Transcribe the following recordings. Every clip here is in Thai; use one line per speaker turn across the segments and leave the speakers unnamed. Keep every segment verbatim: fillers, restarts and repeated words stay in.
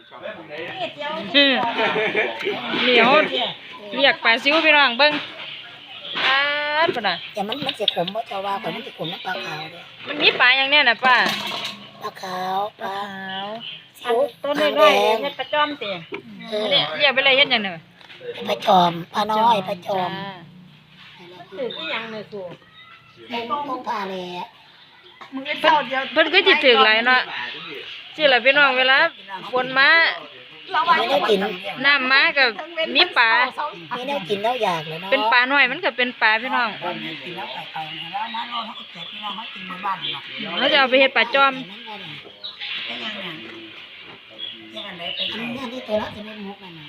เหนียวเรียกปลาซิวพี่น้องเบิ้งอ่าปะน่ะ
แต่มันมันจะขมเพราะชาวว่ามันจะขมน้ำปลาขาวเลย
มันมีปลาอย่างเนี้ยนะป้า
ปลาขาวปลา
ขาวต้นน้อยๆเฮ็ดปลาจอมเตี๋ยเนี่ยเรียกไปเลยเฮ็ดอย่างเนี้ย
ปลาจอมปลาน้อยปลาจอม
ถือที่ยังเลยครู
ต้องปลาเลย
เพิ่นก็จิถือหลายเนาะสิล่ะพี่น้องเวลาฝนมา
ไม่ได้กิน
น้ำมากับมีปลา
ไม่ได้กินแล้วอยากเลยเนาะ
เป็นปลาน้อยมันก็เป็นปลาพี่น้องเราจะเอาไปเฮ็ดปลาจอม
นี่ตัวละจะไม่มุกมัน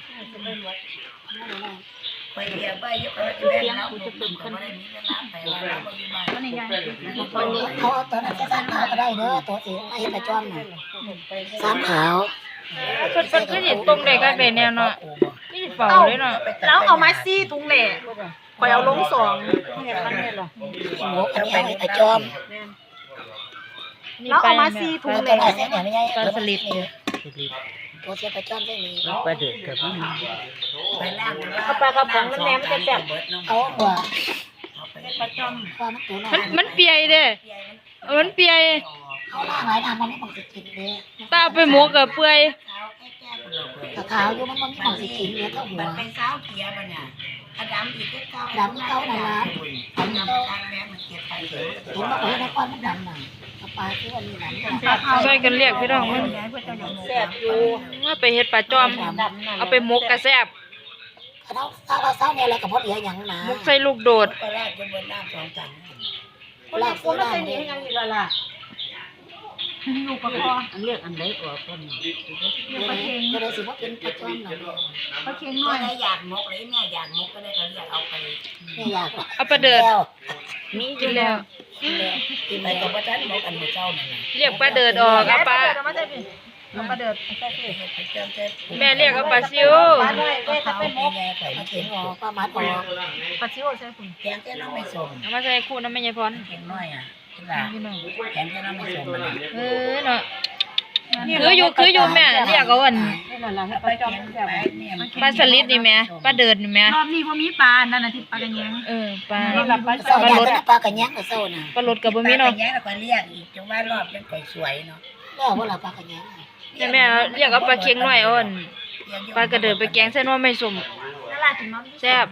ไปเรียบไปยกอะไรจะแม่เราจะเป็นคนได้มีเวลาไปเราไปอยู่บ้านเขาตัวนั้นจะสามขาวก็ได้เด้อตัวสีไอ้ปลาจอมน่ะสามขาว
เพิ่นเพิ่นก็สิตรงได้ก็เป็นแนวเนาะนี่เฝ้าเลยเนาะ
แล้วเอามาซี่ถุงแหล่ข่อยเอาลงสอง
เนี่ยคันนี้ล่ะ
หมูอันนี้ไอ้ปลาจอม
แล้วเอามาซี่ถุงแหล่
ปลาสลิดตัวเสียปลาจอมได้มี
ปลาเดือดกับนี่
ไปล่าง
เอาปลากระป๋องมันแหนมจะแซ่บ
เอาหัว
ปลาจอม
ความตัวน้อย
มันมันเปียเด้มันเปีย
เขาล่างหลายทางมันไม่ต้องสิกินเลย
ตาไปหมกกับเปื่อย
ตะขาวอยู่มันมันไม่ต้องสิกินเลยถ้าหัว
เป็นสาวเกียร์ป่ะเนี่ยดำอีกเก้า
ดำเก้าหนาดำเก้า
แม่มันเกียร์ไปเถอะ
เห็นว่าเออในก้อนมันดำหน่อยปลาที่วันนี้ดำ
ช่วยกันเรียกพี่น้องมัน
แซ่บอยู่
ว่าไปเฮ็ดปลาจอมเอาไปหมกกระแซ่บ
เขาถ้าเราเศร้าเนี่ยอะไรกับพอดีอย่างหนา
หมกใส่ลูกโดด
ไปแรกจะบนน้ำสองจัน
ลากซื้อได้เลย
ยังอีกละล่ะลูกปลาคอ
อันเลือกอันไหนออกต้น
ปลาเค็งก็เลยสิว่าเป็นปลาจอมหน่อย
ปลาเค็งน้อยอยากมกเลยแม่อยากมกก็ได้ก็เรียกเอาไป
ไม่อยาก
เอาปลาเดือด
มี
กินแล้ว
กินไปกับว่าฉันมกอันหัวเจ้านั่น
เรียกปลาเดือดออกเอาปลา
เอาปลาเดือด
แม่เรียกเอาปลาซิว
ปลาด้วยแม่จะเป็นมก
ปลาเค็งออกปลามัดออก
ปลาซิวใช่คุณ
แกงแค่น้องไม่ส่ง
เอามาใส่คู่น้ำแม่ยายพร
เค็งน้อยอ่ะแกงแค่น้องไม่ส่งมัน
เออเนาะคืออยู่คืออยู่แม่เรียกเอาอัน
ปลาจอม
ปลาสลิดนี่แม่ปลาเดือดนี่แม่
รอบนี้บ่มีปลานั่นน่ะที่ปลากระแยง
เออปลา
ปลาลดปลากระแยงกับโซ่น่ะ
ปลาลดกับบ่มีเนาะ
ปลากระแยงแล้วก็เรียกอีกจังว่ารอบยังก่อยสวยเนาะแล้วว่าเราปลากระแยง
แต่แม่เรียกเอาปลาเค็งน้อยอ่อนปลากระเดือดไปแกงใส่น้ำไม่สุ่มแซ่บ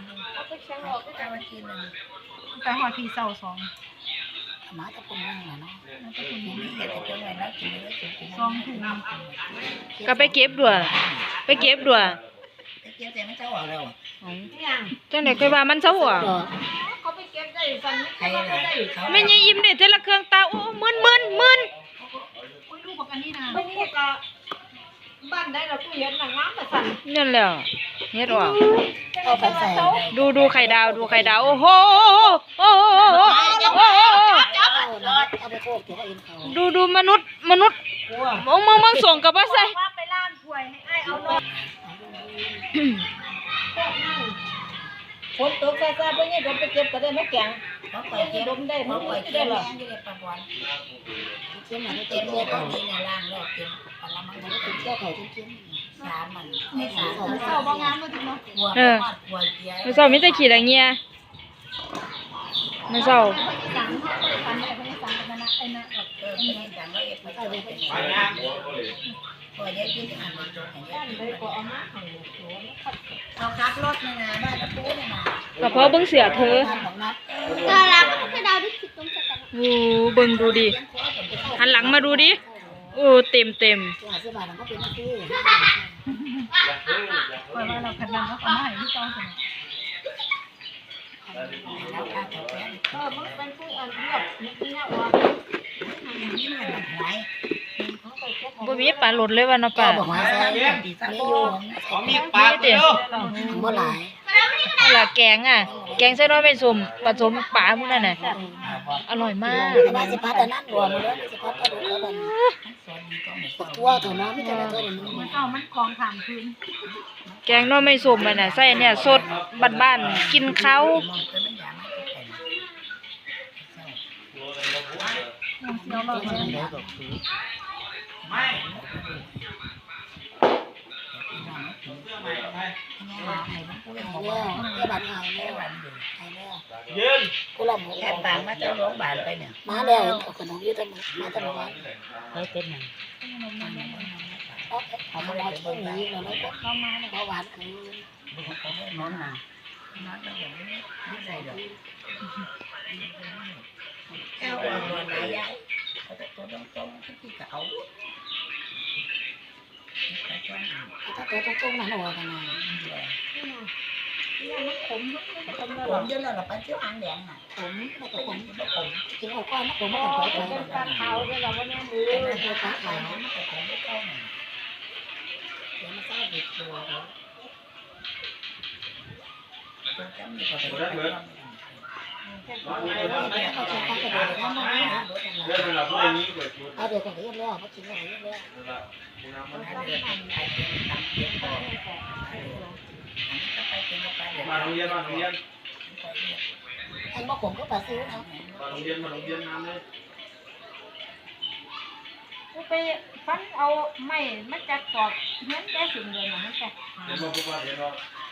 ไปหอดทีเสาสอง
มาตะปุ่นนั่งเนาะ
สองถุง
ก็ไปเก็บด้วยไปเก็บด้วย
เก็บแต่ไม่เจ้าเอาแล้ว
จังได๋ค่อยว่ามันเซาอ่ะ
เขาไปเก็บได้สั่นไม่ได้
แม่ยายอิ่มได้แต่ละเครื่องตาโอ้มึนมึนมึน
โอ้ยลูกบอกอันนี้นะลูกก็บ้านได้เราตู้เย็นหนังน้ำแต่สั่น
นั่นแหละเฮ็ดว่า
เอาไปใส่
ดูดูไข่ดาวดูไข่ดาวโอ้โหโอ้โหดูดูมนุษย์มนุษย์มองมองมองส่งกับว่าใส่
ไปล้างถ้วยให้ไอ้เอานมฝนตกแซ่บๆพวกนี้เดี๋ยวไปเก็บก็ได้ไม่แข็งเขาไปเก็บดมได้เขาไปเก็บหรอ
เก็บมันเก็บเนี่ยตอนนี้เนี่ยล่างแล้วเก็บปลามันมันก็เก็บไข่จริงๆสามมันไม่สาม
เศร้าบางงานมาถึงเนาะ
เออไม่เศร้ามิแต่ขี้อะไรเงี้ยไม่เศร้า
เราคับรถนะนะบ้านตะปูเนี่ยนะ
กระเพาะเบิ้งเสือเธอ
น่ารักให้ดาวที่คิดตรงสักกัน
โอ้เบิ้งดูดิหันหลังมาดูดิโอ้เต็มเต็ม
เพราะว่าเราขนาดเราเอามาให้ที่ต้องสนุกเออมันเป็นผู้อันเรียบนี่เนี่ยว่า
บ่มีปลาหลุดเลยว่าเนาะปลา
บอกว่าใส่ไม่โยง
มีปลาเด้อ
บ่หลาย
นั่นล่ะแกงอ่ะแกงใส่น้อยไม่สุ่มผสมปลาพวกนั้นน่ะอร่อยมาก
มาสิพัดอันนั้นรวมมาแล้วสิพัดปลาดุกแล้วมันตัวเท่านั้นไม่แต่ละตัวนี่
มันเอามันคลองถามคืน
แกงน้อยไม่สุ่มมันน่ะใส่เนี่ยสดบ้านๆกินข้าว
เดี๋ยวเรา
หายแล้วแค่บัตรหายแล้วหายแล้ว
ยืน
กูลำหัว
แค่ต่างมาจากโรงพยาบาลไปเนี่ย
มาแล้วเอาขนมยืดตะมือมาตะมือวัน
ไปเป็นหยัง
เอาเอามาเอาช่วงนี้เราไม่ก็เข้ามาเบาหวานคืน
นอนน่ะนอนก็อย่างนี้ไม่ใส่ดอกแก้วอ่อนๆหลายใหญ่เขาจะตัวตรงๆที่เขา
ถ้าตัวตรงๆนะหนูกันนะ
ผมเยอะแล้วเราไปเที่ยวอ่างแดงน่ะ
ผมไม่ก็ผม
ผม
กินเอาก้อนนะผมไม่ต้องขอไป
เป็นการเท้าด้วยเราว่าเนี่ยมือ
เออ
เป็น
เดี๋ยว
การ
ขา
เท้า
ขาย
แต่ผมไม่เข้าหน่อย
เดี๋ยวมาทราบอีกตัวเขา
ตัวจะมีพอไปไป
เอาใช้ข้าวกระโดดน้ำมันนะ
เรื่องมันเราพูดอย่างนี้เกิดขึ้น
เอาเดี๋ยวก็เรียบแล้วมากินอะไรเรียบแล้ว
เดือดมันไปเดือดตามเดือดพอไปเป็นไปเดือด
มาโรงเรียนมาโรงเรียน
ไอ้มะขมก็ปลาซิวนะ
มาโรงเรียนมาโรงเรียนน้ำเลย
ไปฟันเอาไม้มาจัดกอกเงี้ยได้สิ่งเดียวนะมันแต่
เดี๋ยวมาพูดว่าเดี๋ยวเรา
เ